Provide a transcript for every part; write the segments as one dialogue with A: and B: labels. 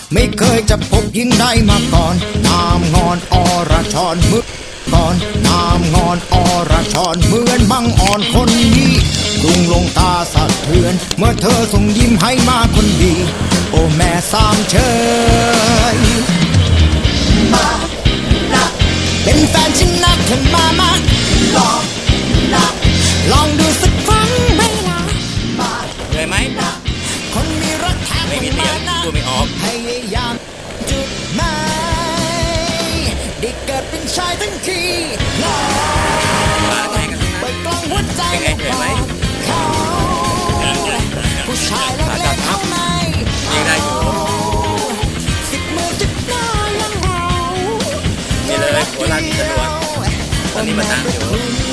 A: ไม่เคยจะพบยิ่งได้มาก่อนงามงอนอรชรมือก่อนงามงอนอรชรเหมือนบังอ่อนคนนี้กรุงลงตาสะเทือนเมื่อเธอส่งยิ้มให้มาคนดีโอ้แม่สามเชยเป็นแฟนฉันนะเธอมาลองดูสักครั้งไหมล่ะ
B: เลยไหม
A: คนมีรักแท้
B: ไม่มีเสียงพูดไม่ออก
A: พยายามจุดหมายได้เกิดเป็นชายทั้งทีลอง
B: มาแข่งกันนะ
A: เปิดกล้องหัวใจ
B: เป็นไงเห็นไหม
A: เขาผู้ชายเล็กๆเขาไม่
B: ยิงได้อยู่
A: สิบมือจุดหน้ายังเรา
B: นี่เลยหัวลานสะดวกตอนนี้มาตั้งอยู่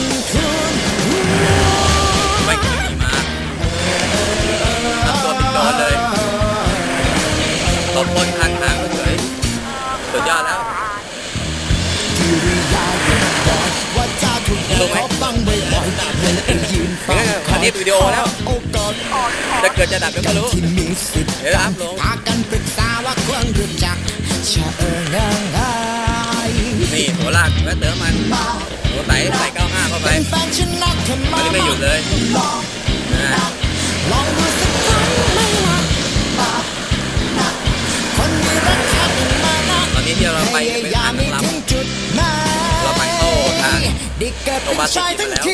B: ไม่ขี่มาทำตัวเป็นโจรเลยตบคนข้างทางเฉยสุดยอดแล้ว
A: ว่าจะถูกขอฟังบ่อยๆเลยไปยืนฟัง
B: อันนี้วิดีโอแล้วจะเกิดจะดับก็ไม่รู้
A: ที่มีสิทธิ์
B: เดี๋ยวอัพลง
A: พากันปรึกษาว่าควรรู้จักชะเอิงไง
B: นี่หัวลากแล้วเติมมันหัวไต่ใส่95เข้าไป
A: เป็นแฟนฉันนักเธอ
B: อันนี้ไม่หยุดเลยนะ
A: ลองดูสักครั้งไหมล่ะคนมีรักแท้เป็นมานะ
B: ตอนนี้ที่เราไปเป็นทางลำ เราไปเข้าทางโรงพยาบาลสิริแล้ว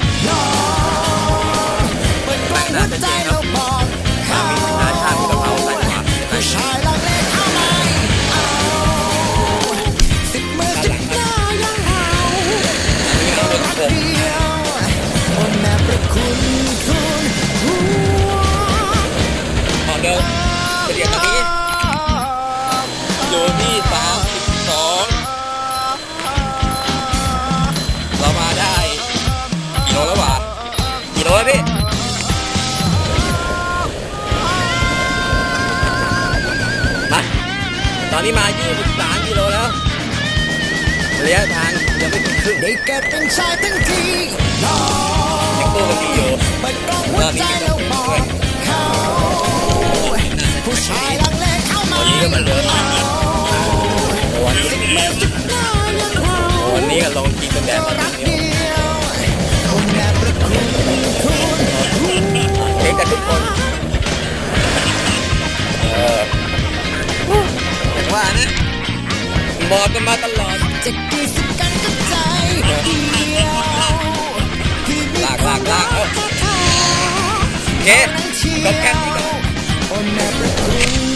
A: เปิดกล้องหัวใจเราบอกเขา
B: มีนาชาติกระเพราใส่หัว
A: ผู้ชายลังเลเข้าไม่เอาสิบมือจุดหน้ายังเอารักเดียวโอ้แม่ประคุณหัว
B: ตอนเดิมเรียนตอนนี้อยู่ที่32เรามาได้กี่โลแล้ววะกี่โลแล้วพี่มาตอนนี้มา23กิโลแล้วระยะทางยังไม่ถึงครึ่ง
A: ได้เกิดเป็นชายทั้งทีลอง
B: ยังตัวกันดีอยู่
A: เปิดกล้องหัวใจเราบอกเขาผู้ชายลังเลเข้า
B: ต
A: มา
B: อนนี้ก็มาเดินวันนี้
A: มือจุดหน้ายังเรา
B: วันนี้ก็ลงกินกันแดดมา
A: รัก
B: เดียว
A: เดียวโอ้แม่ประคุณ
B: เด็กกันทุกคนอย่างว่านะบอกกันมาตลอด
A: จะกี่สิบกันกับใจเดียวที่มี
B: ลากเอ้า
A: เขา
B: โอเคก็แค่นี้ก่อน
A: โอ้แม่ประคุณ